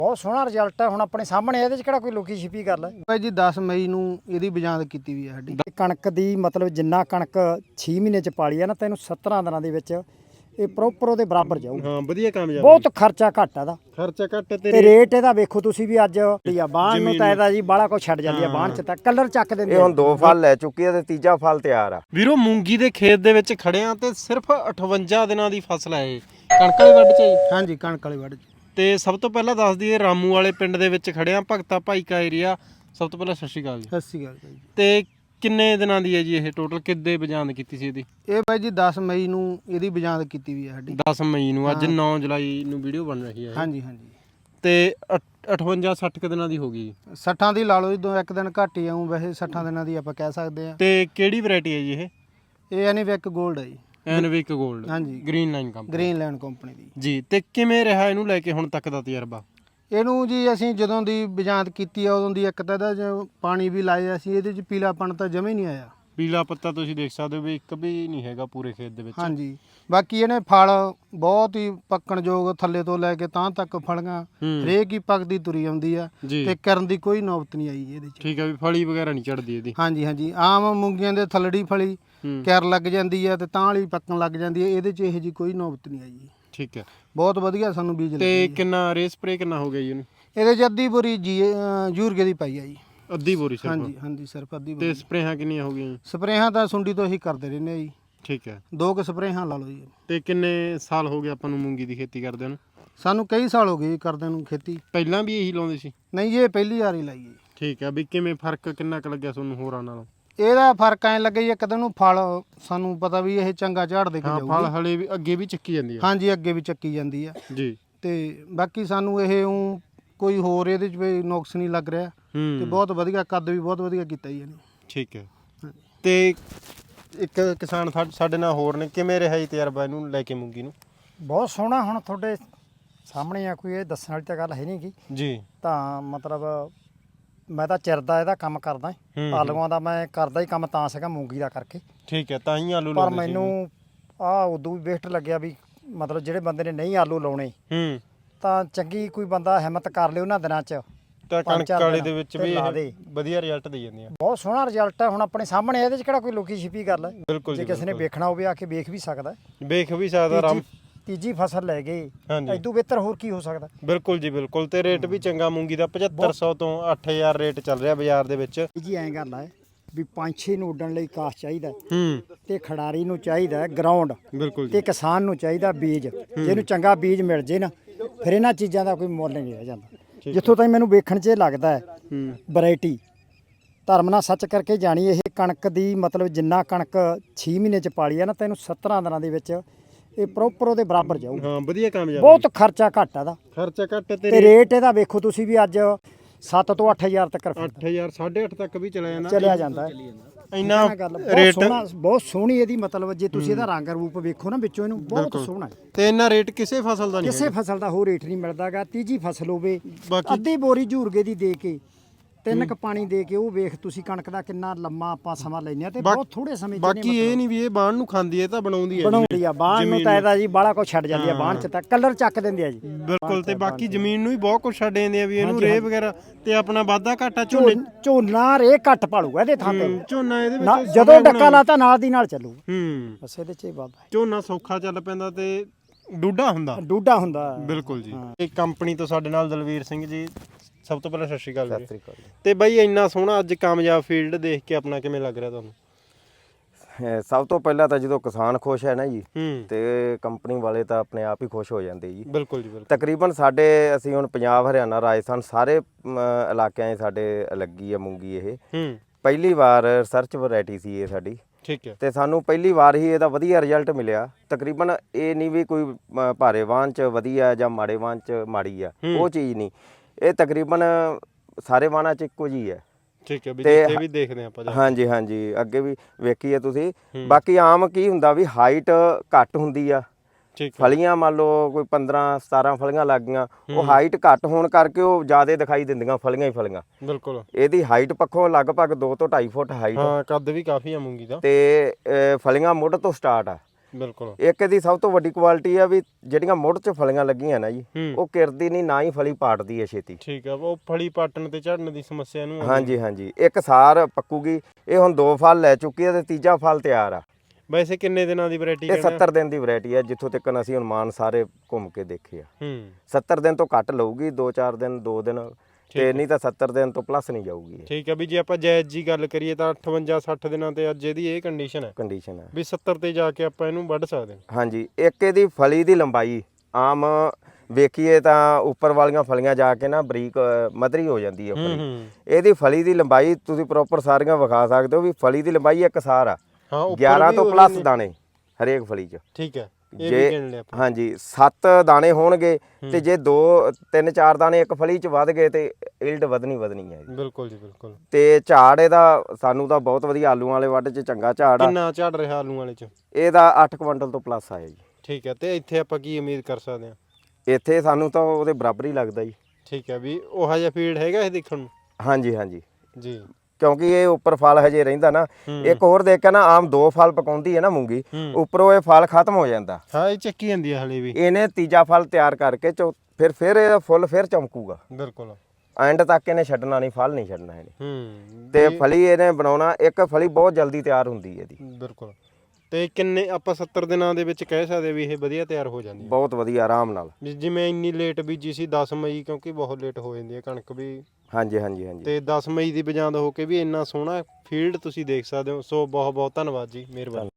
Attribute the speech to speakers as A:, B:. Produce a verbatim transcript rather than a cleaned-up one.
A: ਬਹੁਤ ਸੋਹਣਾ ਰਿਜ਼ਲਟ ਹੈ। ਹੁਣ ਆਪਣੇ ਸਾਹਮਣੇ ਇਹਦੇ ਚ ਕਿਹੜਾ ਕੋਈ ਲੁਕੀ ਛਿਪੀ ਗੱਲ ਹੈ
B: ਭਾਈ ਜੀ ਦਸ ਮਈ ਨੂੰ ਇਹਦੀ ਬਜਾਂਦ ਕੀਤੀ ਵੀ ਹੈ ਸਾਡੀ।
A: ਕਣਕ ਦੀ ਮਤਲਬ ਜਿੰਨਾ ਕਣਕ ਛੇ ਮਹੀਨੇ ਚ ਪਾਲੀ ਆ ਨਾ ਤੈਨੂੰ ਸੱਤਰਾਂ ਦਿਨਾਂ ਦੇ ਵਿੱਚ ਇਹ ਪ੍ਰੋਪਰ ਉਹਦੇ ਬਰਾਬਰ ਜਾਊ।
C: ਹਾਂ ਵਧੀਆ ਕਾਮਯਾਬ।
A: ਬਹੁਤ ਖਰਚਾ ਘੱਟ ਆ ਦਾ,
C: ਖਰਚਾ ਘੱਟ
A: ਤੇ ਰੇਟ ਇਹਦਾ ਵੇਖੋ ਤੁਸੀਂ ਵੀ ਅੱਜ ਆ ਬਾਣ ਨੂੰ ਤਾਂ ਇਹਦਾ ਜੀ ਬਾਹਲਾ ਕੁਛ ਛੱਡ ਜਾਂਦੀ ਆ ਬਾਣ ਚ ਤਾਂ ਕਲਰ ਚੱਕ ਦਿੰਦੇ।
D: ਇਹ ਹੁਣ ਦੋ ਫਲ ਲੈ ਚੁੱਕੀ ਹੈ ਤੇ ਤੀਜਾ ਫਲ ਤਿਆਰ ਆ।
C: ਵੀਰੋ ਮੂੰਗੀ ਦੇ ਖੇਤ ਦੇ ਵਿੱਚ ਖੜੇ ਆ ਤੇ ਸਿਰਫ ਅਠਵੰਜਾ ਦਿਨਾਂ ਦੀ ਫਸਲ ਹੈ ਇਹ ਕਣਕ ਵਾਲੀ ਵੱਢ ਚ ਜੀ।
B: ਹਾਂਜੀ ਕਣਕ ਵਾਲੀ ਵੱਢ ਚ।
C: ਤੇ ਸਭ ਤੋਂ ਪਹਿਲਾਂ ਦੱਸ ਦਈਏ ਰਾਮੂ ਵਾਲੇ ਪਿੰਡ ਦੇ ਵਿੱਚ ਖੜੇ ਆ, ਭਗਤਾ ਭਾਈ ਕਾ ਏਰੀਆ। ਸਭ ਤੋਂ ਪਹਿਲਾਂ ਸਤਿ ਸ਼੍ਰੀ ਅਕਾਲ ਜੀ।
B: ਸਤਿ ਸ਼੍ਰੀ ਅਕਾਲ ਜੀ।
C: ਤੇ ਕਿੰਨੇ ਦਿਨਾਂ ਦੀ ਹੈ ਜੀ ਇਹ ਟੋਟਲ, ਕਿੱਦੇ ਬਜਾਂਦ ਕੀਤੀ ਸੀ ਇਹਦੀ?
B: ਇਹ ਭਾਈ ਜੀ ਦਸ ਮਈ ਨੂੰ ਇਹਦੀ ਬਜਾਂਦ ਕੀਤੀ ਵੀ ਹੈ ਸਾਡੀ।
C: ਦਸ ਮਈ ਨੂੰ, ਅੱਜ ਨੌ ਜੁਲਾਈ ਨੂੰ ਵੀਡੀਓ ਬਣ ਰਹੀ ਹੈ।
B: ਹਾਂਜੀ ਹਾਂਜੀ।
C: ਤੇ ਅਠਵੰਜਾ ਸੱਠ ਕੁ ਦਿਨਾਂ ਦੀ ਹੋ ਗਈ।
B: ਸੱਠਾਂ ਦੀ ਲਾ ਲਓ ਜੀ, ਦੋ ਇੱਕ ਦਿਨ ਘੱਟ ਹੀ ਆਉਂ, ਵੈਸੇ ਸੱਠਾਂ ਦਿਨਾਂ ਦੀ ਆਪਾਂ ਕਹਿ ਸਕਦੇ ਆ।
C: ਤੇ ਕਿਹੜੀ ਵੈਰਾਈਟੀ ਹੈ ਜੀ ਇਹ?
B: ਇਹ ਐਨੀਵੈਕ ਗੋਲਡ ਹੈ ਜੀ।
C: ਐਨਵਿਕ ਗੋਲਡ।
B: ਹਾਂਜੀ
C: green line company.
B: Green land company ਦੀ
C: ਜੀ। ਤੇ ਕਿਵੇਂ ਰਿਹਾ ਇਹਨੂੰ ਲੈ ਕੇ ਹੁਣ ਤੱਕ ਦਾ ਤਜਰਬਾ?
B: ਇਹਨੂੰ ਜੀ ਅਸੀਂ ਜਦੋਂ ਦੀ ਬਜਾਂਦ ਕੀਤੀ ਆ ਉਦੋਂ ਦੀ ਇੱਕ ਤਾਂ ਇਹਦਾ ਜੋ ਪਾਣੀ ਵੀ ਲਾਇਆ ਸੀ, ਇਹਦੇ ਚ ਪੀਲਾਪਣ ਤਾਂ ਜਮੇ ਹੀ ਨਹੀਂ ਆਇਆ।
C: ਪੀਲਾ ਪੱਤਾ ਤੁਸੀਂ ਦੇਖ ਸਕਦੇ ਹੋ ਵੀ ਇੱਕ ਵੀ ਨਹੀਂ ਹੈਗਾ ਪੂਰੇ ਖੇਤ ਦੇ ਵਿੱਚ।
B: ਹਾਂਜੀ। ਬਾਕੀ ਇਹਨੇ ਫਲ ਬਹੁਤ ਹੀ ਪੱਕਣਯੋਗ, ਥੱਲੇ ਤੋਂ ਲੈ ਕੇ ਤਾਂ ਤੱਕ ਫਲੀਆਂ ਹਰੇਕ ਹੀ ਪੱਕਦੀ ਤੁਰੀ ਆਉਂਦੀ ਆ ਤੇ ਕਰਨ ਦੀ ਕੋਈ ਨੌਬਤ ਨਹੀਂ ਆਈ ਇਹਦੇ ਚ।
C: ਠੀਕ ਹੈ ਵੀ ਫਲੀ ਵਗੈਰਾ ਨਹੀਂ ਚੜਦੀ ਇਹਦੀ।
B: ਹਾਂਜੀ ਹਾਂਜੀ। ਆਮ ਮੂੰਗੀਆਂ ਦੇ ਥੱਲੜੀ ਫਲੀ ਕਿਰ ਲੱਗ ਜਾਂਦੀ ਆ ਤੇ ਤਾਂ ਵਾਲੀ ਪੱਕਣ ਲੱਗ ਜਾਂਦੀ ਹੈ, ਇਹਦੇ ਚ ਇਹੋ ਜੀ ਕੋਈ ਨੌਬਤ ਨਹੀਂ ਆਈ ਜੀ।
C: ਠੀਕ ਹੈ।
B: ਬਹੁਤ ਵਧੀਆ ਸਾਨੂੰ ਬੀਜ ਲੱਗੇ।
C: ਤੇ ਕਿੰਨਾ ਰੇ ਸਪਰੇ ਕਿੰਨਾ ਹੋ ਗਿਆ ਜੀ ਇਹਨੂੰ?
B: ਇਹਦੇ ਚ ਅੱਧੀ ਬੋਰੀ ਜੀ ਯੂਰੀਏ ਦੀ ਪਾਈ ਆ ਜੀ।
C: ਅੱਧੀ ਬੋਰੀ ਸਿਰਫ?
B: ਹਾਂਜੀ ਹਾਂਜੀ ਸਿਰਫ ਅੱਧੀ
C: ਤੇ
B: ਬੋਰੀ।
C: ਸਪਰੇਹਾਂ ਕਿੰਨੀਆਂ ਹੋ ਗਈਆਂ ਜੀ?
B: ਸਪਰੇਹਾਂ ਤਾਂ ਸੁੰਡੀ ਤੋਂ ਅਸੀਂ ਕਰਦੇ ਰਹਿੰਦੇ ਆ ਜੀ।
C: ਠੀਕ ਹੈ।
B: ਦੋ ਕੁ ਸਪਰੇਹਾਂ ਲਾ ਲਓ ਜੀ।
C: ਤੇ ਕਿੰਨੇ ਸਾਲ ਹੋ ਗਏ ਆਪਾਂ ਨੂੰ ਮੂੰਗੀ ਦੀ ਖੇਤੀ ਕਰਦੇ ਨੂੰ?
B: ਸਾਨੂੰ ਕਈ ਸਾਲ ਹੋ ਗਏ ਕਰਦਿਆਂ ਨੂੰ ਖੇਤੀ।
C: ਪਹਿਲਾਂ ਵੀ ਇਹੀ ਲਾਉਂਦੇ ਸੀ?
B: ਨਹੀਂ ਇਹ ਪਹਿਲੀ ਵਾਰ ਹੀ ਲਾਈ ਹੈ।
C: ਠੀਕ ਹੈ। ਵੀ ਕਿਵੇਂ ਫਰਕ ਕਿੰਨਾ ਕੁ ਲੱਗਿਆ ਤੁਹਾਨੂੰ ਹੋਰਾਂ ਨਾਲੋਂ?
B: ਇਹਦਾ ਫਰਕ ਐ ਲੱਗਿਆ ਜੀ, ਇੱਕ ਦਿਨ ਨੂੰ ਫਲ ਸਾਨੂੰ ਪਤਾ ਵੀ ਇਹ ਚੰਗਾ ਝਾੜ ਦੇ ਕੇ
C: ਹਾਂ,
B: ਜਾਊਗੀ।
C: ਫਲ ਹਲੇ ਵੀ ਅੱਗੇ ਵੀ ਚੱਕੀ ਜਾਂਦੀ ਹੈ।
B: ਹਾਂਜੀ ਅੱਗੇ ਵੀ ਚੱਕੀ ਜਾਂਦੀ ਆ
C: ਜੀ।
B: ਤੇ ਬਾਕੀ ਸਾਨੂੰ ਇਹ ਊਂ ਕੋਈ ਹੋਰ ਇਹਦੇ ਚ ਵੀ ਨੁਕਸ ਨਹੀਂ ਲੱਗ ਰਿਹਾ ਤੇ ਬਹੁਤ ਵਧੀਆ, ਕੱਦ ਵੀ ਬਹੁਤ ਵਧੀਆ ਕੀਤਾ ਜੀ ਇਹਨੇ।
C: ਠੀਕ ਹੈ। ਤੇ ਇੱਕ ਕਿਸਾਨ ਸਾ- ਸਾਡੇ ਨਾਲ ਹੋਰ ਨੇ, ਕਿਵੇਂ ਰਿਹਾ ਜੀ ਤਜਰਬਾ ਇਹਨੂੰ ਲੈ ਕੇ ਮੂੰਗੀ ਨੂੰ?
A: ਬਹੁਤ ਸੋਹਣਾ। ਹੁਣ ਤੁਹਾਡੇ ਸਾਹਮਣੇ ਆ, ਕੋਈ ਇਹ ਦੱਸਣ ਵਾਲੀ ਤਾਂ ਗੱਲ ਹੈ ਨਹੀਂ ਗੀ
C: ਜੀ।
A: ਤਾਂ ਮਤਲਬ ਮੈਂ ਤਾਂ ਚਿਰਦਾ ਇਹਦਾ ਕੰਮ ਕਰਦਾ, ਆਲੂਆਂ ਦਾ ਮੈਂ ਕਰਦਾ ਹੀ ਕੰਮ ਤਾਂ ਸੀਗਾ ਮੂੰਗੀ ਦਾ ਕਰਕੇ।
C: ਠੀਕ ਹੈ। ਤਾਂ ਹੀ ਆਲੂ
A: ਪਰ
C: ਲਾਉਂਦੇ ਸੀ।
A: ਮੈਨੂੰ ਆਹ ਉਦੋਂ ਵੀ ਬੇਸਟ ਲੱਗਿਆ ਵੀ ਮਤਲਬ ਜਿਹੜੇ ਬੰਦੇ ਨੇ ਨਹੀਂ ਆਲੂ ਲਾਉਣੇ
C: ਹੂੰ
A: ਤਾਂ ਚੰਗੀ ਕੋਈ ਬੰਦਾ ਹਿੰਮਤ ਕਰ ਲੇ ਉਹਨਾਂ ਦਿਨਾਂ 'ਚ
C: ਤਾਂ
A: ਪੰਜ
C: ਕਣਕ
A: ਚਾਰ
C: ਵਾਲੇ
A: ਦਿਨ
C: ਦੇ ਵਿੱਚ
A: ਤੇ
C: ਵੀ
A: ਲਾ
C: ਇਹ
A: ਦੇ।
C: ਵਧੀਆ ਰਿਜ਼ਲਟ ਦੇ ਜਾਂਦੀਆਂ।
A: ਬਹੁਤ ਸੋਹਣਾ ਰਿਜ਼ਲਟ ਹੈ। ਹੁਣ ਆਪਣੇ ਸਾਹਮਣੇ ਇਹਦੇ 'ਚ ਕਿਹੜਾ ਕੋਈ ਲੁਕੀ ਛਿਪੀ ਗੱਲ ਹੈ।
C: ਬਿਲਕੁਲ
A: ਜੇ
C: ਜੀ,
A: ਕਿਸੇ ਨੇ
C: ਬਿਲਕੁਲ।
A: ਵੇਖਣਾ ਹੋਵੇ ਆ ਕੇ ਵੇਖ ਵੀ ਸਕਦਾ।
C: ਵੇਖ ਵੀ ਸਕਦਾ ਰਾਮ।
A: ਤੀਜੀ ਤੀਜੀ ਫਸਲ ਲੈ ਗਏ,
C: ਹਾਂਜੀ।
A: ਇਦੋਂ ਬਿਹਤਰ ਹੋਰ ਕੀ ਹੋ ਸਕਦਾ।
C: ਬਿਲਕੁਲ ਜੀ ਬਿਲਕੁਲ। ਤੇ ਰੇਟ ਵੀ ਚੰਗਾ ਮੂੰਗੀ ਦਾ ਪਝੱਤਰ ਸੌ ਤੋਂ ਅੱਠ ਹਜ਼ਾਰ ਰੇਟ ਚੱਲ ਰਿਹਾ ਬਾਜ਼ਾਰ ਦੇ ਵਿੱਚ।
A: ਜੀ ਐਂ ਗੱਲ ਹੈ ਵੀ ਪੰਛੀ ਨੂੰ ਉੱਡਣ ਲਈ ਕਾਸ਼ ਚਾਹੀਦਾ
C: ਹੂੰ
A: ਤੇ ਖਿਡਾਰੀ ਨੂੰ ਚਾਹੀਦਾ ਗਰਾਊਂਡ
C: ਬਿਲਕੁਲ ਜੀ।
A: ਤੇ ਕਿਸਾਨ ਨੂੰ ਚਾਹੀਦਾ ਬੀਜ। ਜਿਹਨੂੰ ਚੰਗਾ ਬੀਜ ਮਿਲ ਜੇ ਨਾ ਫਿਰ ਇਹਨਾਂ ਚੀਜ਼ਾਂ ਦਾ ਕੋਈ ਮੁੱਲ ਨਹੀਂ ਰਹਿ ਜਾਂਦਾ। ਜਿੱਥੋਂ ਤਾਈਂ ਮੈਨੂੰ ਵੇਖਣ 'ਚ ਇਹ ਲੱਗਦਾ ਹੈ ਵੈਰਾਈਟੀ ਧਰਮ ਨਾਲ ਸੱਚ ਕਰਕੇ ਜਾਣੀ, ਇਹ ਕਣਕ ਦੀ ਮਤਲਬ ਜਿੰਨਾ ਕਣਕ ਛੇ ਮਹੀਨੇ ਚ ਪਾਲੀ ਆ ਨਾ ਤੈਨੂੰ ਸੱਤਰਾਂ ਦਿਨਾਂ ਦੇ ਵਿੱਚ ਇਹ ਪ੍ਰੋਪਰ ਉਹਦੇ ਬਰਾਬਰ ਜਾਊ।
C: ਹਾਂ ਵਧੀਆ ਕਾਮਯਾਬ।
A: ਬਹੁਤ ਖਰਚਾ ਘੱਟ ਆ ਦਾ,
C: ਖਰਚਾ ਘੱਟ ਤੇ
A: ਤੇ ਰੇਟ ਇਹਦਾ ਵੇਖੋ ਤੁਸੀਂ ਵੀ ਅੱਜ ਸੱਤ ਤੋਂ ਅੱਠ ਹਜ਼ਾਰ ਤੱਕ
C: ਅੱਠ ਹਜ਼ਾਰ ਸਾਢੇ ਅੱਠ ਤੱਕ ਵੀ ਚਲਾ ਜਾਂਦਾ।
A: ਚਲਿਆ ਜਾਂਦਾ ਹੈ।
C: ਇੰਨਾ
A: ਗੱਲ
C: ਰੇਟ
A: ਸੋਹਣਾ, ਬਹੁਤ ਸੋਹਣੀ ਇਹਦੀ ਮਤਲਬ ਜੇ ਤੁਸੀਂ ਇਹਦਾ ਰੰਗ ਰੂਪ ਵੇਖੋ ਨਾ ਵਿੱਚੋਂ ਇਹਨੂੰ ਬਹੁਤ ਸੋਹਣਾ ਹੈ।
C: ਤੇ ਇੰਨਾ ਰੇਟ ਕਿਸੇ ਫਸਲ ਦਾ ਨਹੀਂ।
A: ਕਿਸੇ ਫਸਲ ਦਾ ਹੋਰ ਰੇਟ ਨਹੀਂ ਮਿਲਦਾਗਾ। ਤੀਜੀ ਫਸਲ ਹੋਵੇ
C: ਬਾਕੀ
A: ਅੱਧੀ ਬੋਰੀ ਝੂਰਗੇ ਦੀ ਦੇ ਕੇ ਤਿੰਨ ਕ ਪਾਣੀ ਦੇ ਕੇ ਉਹ ਵੇਖ ਤੁਸੀਂ ਕਣਕ ਦਾ ਕਿੰਨਾ ਲੰਮਾ ਆਪਾਂ ਸਮਾਂ ਲੈਨੇ ਆ ਤੇ ਬਹੁਤ ਥੋੜੇ ਸਮੇਂ ਚ
C: ਬਾਕੀ ਇਹ ਨਹੀਂ ਵੀ ਇਹ ਬਾਣ ਨੂੰ ਖਾਂਦੀ ਹੈ, ਇਹ ਤਾਂ ਬਣਾਉਂਦੀ ਹੈ।
A: ਬਣਾਉਂਦੀ ਆ ਬਾਣ ਨੂੰ ਤਾਂ ਇਹਦਾ ਜੀ ਬਾਹਲਾ ਕੁਛ ਛੱਡ ਜਾਂਦੀ ਆ ਬਾਣ ਚ ਤਾਂ ਕਲਰ ਚੱਕ ਦਿੰਦੇ ਆ ਜੀ।
C: ਬਿਲਕੁਲ। ਤੇ ਬਾਕੀ ਜ਼ਮੀਨ ਨੂੰ ਵੀ ਬਹੁਤ ਕੁਝ ਛੱਡ ਜਾਂਦੇ ਆ ਵੀ ਇਹਨੂੰ ਰੇ ਵਗੈਰਾ ਤੇ ਆਪਣਾ ਵਾਧਾ ਘਾਟਾ ਝੋਨੇ
A: ਝੋਨਾ ਰੇ ਘੱਟ ਪਾਲੂਗਾ ਇਹਦੇ ਥਾਂ ਤੇ।
C: ਝੋਨਾ ਇਹਦੇ
A: ਨਾ-
C: ਵਿੱਚ
A: ਜਦੋਂ ਡੱਕਾ ਲਾਤਾ ਨਾਲ ਦੀ ਨਾਲ ਚੱਲੂ।
C: ਹੂੰ
A: ਬਸ ਇਹਦੇ ਚ ਹੀ ਵਾਧਾ
C: ਝੋਨਾ ਸੌਖਾ ਚੱਲ ਪੈਂਦਾ ਤੇ ਡੂਡਾ ਹੁੰਦਾ।
A: ਡੂਡਾ ਹੁੰਦਾ।
C: ਬਿਲਕੁਲ ਜੀ। ਇਹ ਕੰਪਨੀ ਤੋਂ ਸਾਡੇ ਨਾਲ ਦਲਵੀਰ ਸਿੰਘ ਜੀ, ਸਭ ਤੋਂ ਪਹਿਲਾਂ ਸਤਿ ਸ਼੍ਰੀ ਅਕਾਲ
D: ਸਤਿ
C: ਜੀ।
D: ਸ੍ਰੀ ਅਕਾਲ ਜੀ।
C: ਤੇ ਬਾਈ ਇੰਨਾ ਸੋਹਣਾ ਅੱਜ ਕਾਮਯਾਬ ਫੀਲਡ ਦੇਖ ਕੇ ਆਪਣਾ ਕਿਵੇਂ ਲੱਗ ਰਿਹਾ ਤੁਹਾਨੂੰ?
D: ਅਹ ਸਭ ਤੋਂ ਪਹਿਲਾਂ ਤਾਂ ਜਦੋਂ ਕਿਸਾਨ ਖੁਸ਼ ਹੈ ਨਾ ਜੀ
C: ਹੂੰ
D: ਤੇ ਕੰਪਨੀ ਵਾਲੇ ਤਾਂ ਆਪਣੇ ਆਪ ਹੀ ਖੁਸ਼ ਹੋ ਜਾਂਦੇ ਜੀ।
C: ਬਿਲਕੁਲ ਜੀ ਬਿਲਕੁਲ।
D: ਤਕਰੀਬਨ ਸਾਡੇ ਅਸੀਂ ਹੁਣ ਪੰਜਾਬ, ਹਰਿਆਣਾ, ਰਾਜਸਥਾਨ ਸਾਰੇ ਅਮ, ਇਲਾਕਿਆਂ 'ਚ ਸਾਡੇ ਲੱਗੀ ਆ ਮੂੰਗੀ। ਇਹ
C: ਹੂੰ
D: ਪਹਿਲੀ ਵਾਰ ਰਿਸਰਚ ਵੈਰਾਈਟੀ ਸੀ ਇਹ ਸਾਡੀ,
C: ਠੀਕ ਹੈ।
D: ਤੇ ਸਾਨੂੰ ਪਹਿਲੀ ਵਾਰ ਹੀ ਇਹਦਾ ਵਧੀਆ ਰਿਜ਼ਲਟ ਮਿਲਿਆ। ਤਕਰੀਬਨ ਇਹ ਨਹੀਂ ਵੀ ਕੋਈ ਅਮ, ਭਾਰੇ ਵਾਹਨ 'ਚ ਵਧੀਆ ਜਾਂ ਮਾੜੇ ਵਾਹਨ 'ਚ ਮਾੜੀ ਆ, ਉਹ ਚੀਜ਼ ਨਹੀਂ। ਇਹ ਤਕਰੀਬਨ ਸਾਰੇ ਵਾਹਨਾਂ 'ਚ ਇੱਕੋ ਜਿਹੀ ਹੈ।
C: ਠੀਕ ਹੈ ਵੀ
D: ਤੇ
C: ਜਿੱਥੇ ਵੀ ਦੇਖਦੇ ਆਪਾਂ ਜਾ ਕੇ।
D: ਹਾਂਜੀ ਹਾਂਜੀ, ਅੱਗੇ ਵੀ ਵੇਖੀ ਹੈ ਤੁਸੀਂ। ਬਾਕੀ ਆਮ ਕੀ ਹੁੰਦਾ ਵੀ ਹਾਈਟ ਘੱਟ ਹੁੰਦੀ ਆ,
C: ਠੀਕ ਹੈ।
D: ਫਲੀਆਂ ਮੰਨ ਲਓ ਕੋਈ ਪੰਦਰਾਂ ਸਤਾਰਾਂ ਫਲੀਆਂ ਲੱਗ ਗਈਆਂ, ਉਹ ਹਾਈਟ ਘੱਟ ਹੋਣ ਕਰਕੇ ਉਹ ਜ਼ਿਆਦਾ ਦਿਖਾਈ ਦਿੰਦੀਆਂ ਫਲੀਆਂ ਹੀ ਫਲੀਆਂ।
C: ਬਿਲਕੁਲ।
D: ਇਹਦੀ ਹਾਈਟ ਪੱਖੋਂ ਲਗਭਗ ਦੋ ਤੋਂ ਢਾਈ ਫੁੱਟ ਹਾਈਟ,
C: ਹਾਂ ਕੱਦ ਵੀ ਕਾਫੀ ਆ ਮੂੰਗੀ ਦਾ।
D: ਤੇ ਅਹ, ਫਲੀਆਂ ਮੁੱਢ ਤੋਂ ਸਟਾਰਟ ਆ।
C: ਬਿਲਕੁਲ
D: ਇੱਕ ਇਹਦੀ ਸਭ ਤੋਂ ਵੱਡੀ ਕੁਆਲਿਟੀ ਆ ਵੀ ਜਿਹੜੀਆਂ ਮੁੱਢ 'ਚ ਫਲੀਆਂ ਲੱਗੀਆਂ ਨਾ ਜੀ
C: ਹੂੰ।
D: ਉਹ ਕਿਰਦੀ ਨਹੀਂ, ਨਾ ਹੀ ਫਲੀ ਪਾਟਦੀ ਹੈ ਛੇਤੀ।
C: ਠੀਕ ਆ, ਉਹ ਫਲੀ ਪਾਟਣ ਤੇ ਝੜਨ ਦੀ ਸਮੱਸਿਆ ਨੂੰ
D: ਹਾਂਜੀ ਹਾਂਜੀ, ਇੱਕ ਸਾਰ ਪੱਕੂਗੀ। ਇਹ ਹੁਣ ਦੋ ਫਲ ਲੈ ਚੁੱਕੀ ਹੈ ਤੇ ਤੀਜਾ ਫਲ ਤਿਆਰ ਆ।
C: ਵੈਸੇ ਕਿੰਨੇ ਦਿਨਾਂ ਦੀ ਵੈਰਾਈਟੀ
D: ਇਹ ਸੱਤਰ ਦਿਨ ਦੀ ਵੈਰਾਈਟੀ ਹੈ, ਜਿੱਥੋਂ ਤੱਕ ਅਸੀਂ ਅਨੁਮਾਨ ਸਾਰੇ ਘੁੰਮ ਕੇ ਦੇਖੇ ਆ।
C: ਹੂੰ
D: ਸੱਤਰ ਦਿਨ ਤੋਂ ਘੱਟ ਲਊਗੀ, ਦੋ ਚਾਰ ਦਿਨ, ਦੋ ਦਿਨ, ਤੇ ਨਹੀਂ ਤਾਂ ਸੱਤਰ ਦਿਨ ਤੋਂ ਪਲੱਸ ਨਹੀਂ ਜਾਊਗੀ।
C: ਠੀਕ ਆ ਵੀ ਜੇ ਆਪਾਂ ਜਾਇਜ਼ ਜੀ ਗੱਲ ਕਰੀਏ ਤਾਂ ਅਠਵੰਜਾ ਸੱਠ ਦਿਨਾਂ ਤੇ ਅੱਜ ਇਹਦੀ ਇਹ ਕੰਡੀਸ਼ਨ ਹੈ
D: ਕੰਡੀਸ਼ਨ ਹੈ
C: ਵੀ ਸੱਤਰ ਤੇ ਜਾ ਕੇ ਆਪਾਂ ਇਹਨੂੰ ਵੱਢ ਸਕਦੇ ਹਾਂ।
D: ਹਾਂਜੀ। ਇੱਕ ਇਹਦੀ ਫਲੀ ਦੀ ਲੰਬਾਈ ਆਮ ਵੇਖੀਏ ਤਾਂ ਉੱਪਰ ਵਾਲੀਆਂ ਫਲੀਆਂ ਜਾ ਕੇ ਨਾ ਬਰੀਕ ਅ, ਮਧਰੀ ਹੋ ਜਾਂਦੀ ਹੈ ਫਲੀ।
C: ਹੂੰ
D: ਇਹਦੀ ਫਲੀ ਦੀ ਲੰਬਾਈ ਤੁਸੀਂ ਪ੍ਰੋਪਰ ਸਾਰੀਆਂ ਵਿਖਾ ਸਕਦੇ ਹੋ ਵੀ ਫਲੀ ਦੀ ਲੰਬਾਈ ਇੱਕ ਸਾਰ ਆ।
C: ਹਾਂ ਉੱਪਰ
D: ਗਿਆਰਾਂ
C: ਵੀ
D: ਤੋਂ
C: ਉਹੀ
D: ਪਲੱਸ
C: ਨੇ।
D: ਦਾਣੇ ਹਰੇਕ ਫਲੀ 'ਚ।
C: ਠੀਕ ਹੈ, ਇਹ ਵੀ
D: ਜੇ
C: ਗਿਣ ਲਿਆ ਆਪਾਂ।
D: ਹਾਂਜੀ ਸੱਤ ਦਾਣੇ ਹੋਣਗੇ ਤੇ ਜੇ ਦੋ ਤਿੰਨ ਚਾਰ ਦਾਣੇ ਇੱਕ ਫਲੀ 'ਚ ਵੱਧ ਗਏ ਤੇ ਇਲਡ ਵਧਣੀ ਵਧਣੀ ਹੈ ਜੀ।
C: ਬਿਲਕੁਲ ਜੀ ਬਿਲਕੁਲ।
D: ਤੇ ਝਾੜ ਇਹਦਾ ਸਾਨੂੰ ਤਾਂ ਬਹੁਤ ਵਧੀਆ, ਆਲੂਆਂ ਵਾਲੇ ਵੱਢ 'ਚ ਚੰਗਾ ਝਾੜ ਆ।
C: ਕਿੰਨਾ ਝੜ ਰਿਹਾ ਆਲੂ ਵਾਲੇ ਚ?
D: ਇਹਦਾ ਅੱਠ ਕੁਇੰਟਲ ਤੋਂ ਪਲੱਸ ਆਇਆ ਜੀ।
C: ਠੀਕ ਹੈ, ਤੇ ਇੱਥੇ ਆਪਾਂ ਕੀ ਉਮੀਦ ਕਰ ਸਕਦੇ ਹਾਂ?
D: ਇੱਥੇ ਸਾਨੂੰ ਤਾਂ ਉਹਦੇ ਬਰਾਬਰ ਹੀ ਲੱਗਦਾ ਜੀ।
C: ਠੀਕ ਹੈ, ਵੀ ਉਹੋ ਜਿਹਾ ਫੀਲਡ ਹੈਗਾ ਇਹ ਦੇਖਣ ਨੂੰ?
D: ਹਾਂਜੀ ਹਾਂਜੀ,
C: ਜੀ
D: ਕਿਉਂਕਿ ਇਹ ਉੱਪਰ ਫਲ ਹਜੇ ਰਹਿੰਦਾ ਨਾ।
C: ਹੂੰ।
D: ਇੱਕ ਹੋਰ ਦੇਖਿਆ ਨਾ, ਆਮ ਦੋ ਫਲ ਪਕਾਉਂਦੀ ਹੈ ਨਾ ਮੂੰਗੀ,
C: ਹੂੰ।
D: ਉੱਪਰੋਂ ਇਹ ਫਲ ਖਤਮ ਹੋ ਜਾਂਦਾ।
C: ਹਾਂ ਇਹ ਚੱਕੀ ਜਾਂਦੀ ਹੈ ਹਲੇ ਵੀ।
D: ਇਹਨੇ ਤੀਜਾ ਫਲ ਤਿਆਰ ਕਰਕੇ ਚੌ ਫਿਰ ਫਿਰ ਇਹਦਾ ਫੁੱਲ ਫਿਰ ਚਮਕੂਗਾ।
C: ਬਿਲਕੁਲ।
D: ਐਂਡ ਤੱਕ ਇਹਨੇ ਛੱਡਣਾ ਨਹੀਂ, ਫਲ ਨਹੀਂ ਛੱਡਣਾ ਇਹਨੇ।
C: ਹੂੰ
D: ਤੇ
C: ਵੀ-
D: ਫਲੀ ਇਹਨੇ ਬਣਾਉਣਾ, ਇੱਕ ਫਲੀ ਬਹੁਤ ਜਲਦੀ ਤਿਆਰ ਹੁੰਦੀ ਹੈ ਇਹਦੀ।
C: ਬਿਲਕੁਲ। ਤੇ ਕਿੰਨੇ ਆਪਾਂ ਸੱਤਰ ਦਿਨਾਂ ਦੇ ਵਿੱਚ ਕਹਿ ਸਕਦੇ ਵੀ ਇਹ ਵਧੀਆ ਤਿਆਰ ਹੋ ਜਾਂਦੀ ਹੈ?
D: ਬਹੁਤ ਵਧੀਆ, ਆਰਾਮ ਨਾਲ।
C: ਜਿ- ਜਿਵੇਂ ਇੰਨੀ ਲੇਟ ਬੀਜੀ ਸੀ ਦਸ ਮਈ, ਕਿਉਂਕਿ ਬਹੁਤ ਲੇਟ ਹੋ ਜਾਂਦੀ ਹੈ ਕਣਕ ਵੀ,
D: ਹਾਂਜੀ ਹਾਂਜੀ ਹਾਂਜੀ।
C: ਤੇ ਦਸ ਮਈ ਦੀ ਬਜਾਂਦ ਹੋ ਕੇ ਵੀ ਇੰਨਾ ਸੋਹਣਾ ਫੀਲਡ ਤੁਸੀਂ ਦੇਖ ਸਕਦੇ ਹੋ। ਸੋ ਬਹੁਤ ਬਹੁਤ ਧੰਨਵਾਦ ਜੀ, ਮਿਹਰਬਾਨੀ।